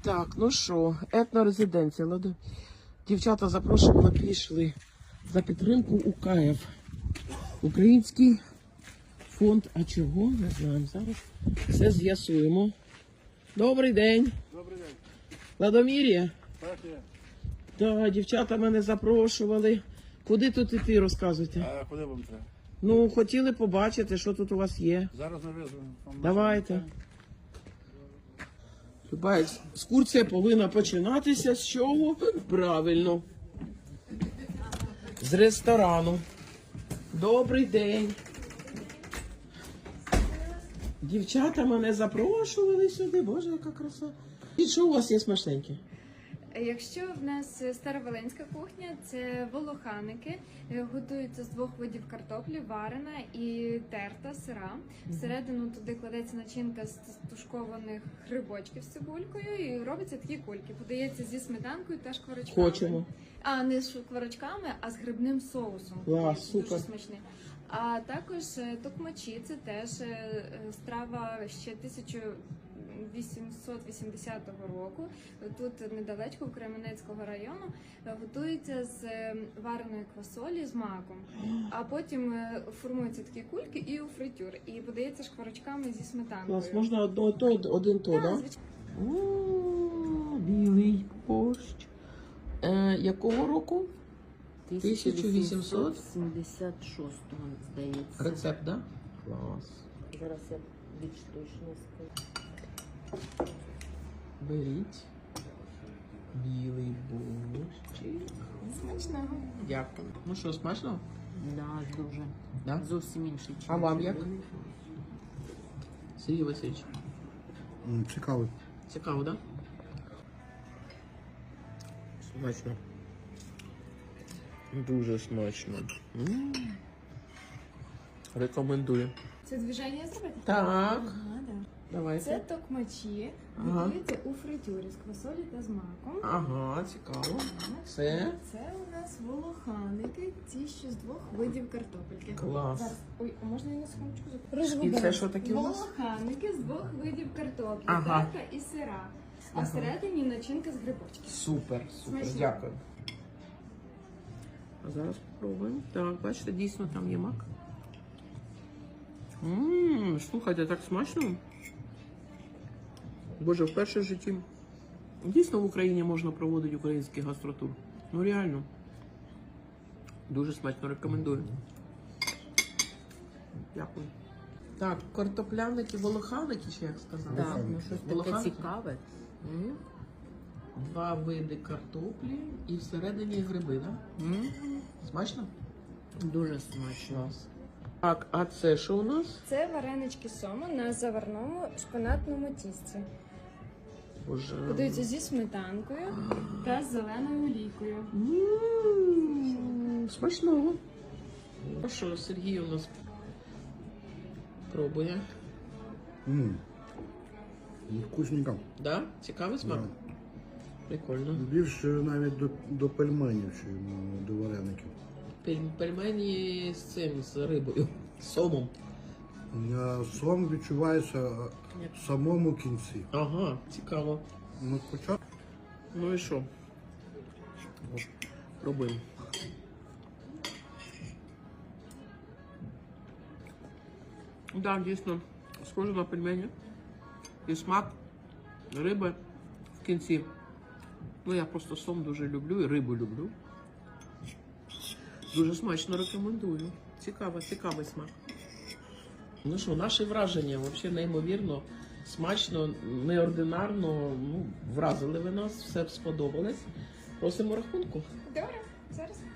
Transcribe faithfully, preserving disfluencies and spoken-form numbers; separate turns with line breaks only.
Так, ну що, етнорезиденція. Ладно. Дівчата запрошували, пішли за підтримку УКФ. Український фонд. А чого? Не знаємо. Зараз все з'ясуємо. Добрий день.
Добрий день.
Ладомір'я?
Так, є.
Так, дівчата мене запрошували. Куди тут іти, розказуйте?
А куди вам треба?
Ну, хотіли побачити, що тут у вас є.
Зараз ми визвемо.
Давайте. Люба екскурсія повинна починатися з чого? Правильно. З ресторану. Добрий день. Дівчата мене запрошували сюди. Боже, яка краса. І що у вас є смачненьке?
Якщо в нас староволенська кухня, це волоханики, готуються з двох видів картоплі, варена і терта, сира. Всередину туди кладеться начинка з тушкованих грибочків з цибулькою і робиться такі кульки. Подається зі сметанкою та шкварочками.
Хочемо.
А не з шкварочками, а з грибним соусом.
Клас,
Дуже
супер.
смачний. А також е, токмачі, це теж е, страва ще тисяча вісімсот вісімдесятого року. Тут недалечко, Кременецького району, готується з е, вареної квасолі з маком. А потім е, формуються такі кульки і у фритюр. І подається шкварочками зі сметанкою.
Клас, можна одно то, один то,
Так,
да?
звичайно.
О, білий борщ. Е, якого року? тисяча вісімсот
сімдесят шостого, здається.
Рецепт, да? Клас.
Зараз я більш точно скажу.
Беріть. Білий борщик.
Смачного.
Дякую. Ну що, смачно?
Да, дуже.
Да?
Зовсім інший.
А вам як? Сергій Васильович.
М, Цікаво.
Цікаво, да? Смачно. Дуже смачно. М. Рекомендую.
Це движення зробити?
Так.
Ага, да.
Давайте.
Це токмачі,
Ага.
готуються у фритюрі з квасолі та з маком.
Ага, цікаво.
Ага.
Це?
Це у нас волоханики, ті, що з двох видів картопельки.
Клас.
Зараз. Ой, а можна я на секундочку
І
розгубила?
це що таке у нас?
Волоханики з двох видів картоплі,
Ага.
терта і сира. А
Ага.
всередині начинка з грибочків.
Супер, супер,
Смачно.
дякую. А зараз спробуємо. Так, бачите, дійсно там є мак. Ммм, слухайте, так смачно. Боже, вперше в житті. Дійсно в Україні можна проводити український гастротур. Ну реально. Дуже смачно, рекомендую. Дякую. Так, картопляники, волоханики, чи як сказали?
Так, ну щось таке
Волоханки.
цікаве.
М. Два види картоплі і всередині гриби, так? Да? Смачно?
Дуже смачно.
Так, а це що у нас?
Це варенички сома на заварному шпинатному тісті.
Боже.
Подаються зі сметанкою та з зеленою олійкою.
М, Смачного. А що, Сергій у нас пробує?
М. Вкусненько.
Да? Цікавий смак?
Да.
Прикольно.
Більше навіть до, до пельменів, чи м, до вареників.
Пель- Пельмені з цим, з рибою, з сомом.
А сом відчувається в самому кінці.
Ага, цікаво.
Ну, спочатку.
Ну і що? О, пробуємо. Так, дійсно, схоже на пельмені. І смак риби в кінці. Ну, я просто сом дуже люблю і рибу люблю. Дуже смачно рекомендую. Цікаво, цікавий смак. Ну що, наші враження взагалі неймовірно, смачно, неординарно. Ну, вразили ви нас, все сподобалось. Просимо рахунку.
Добре, зараз.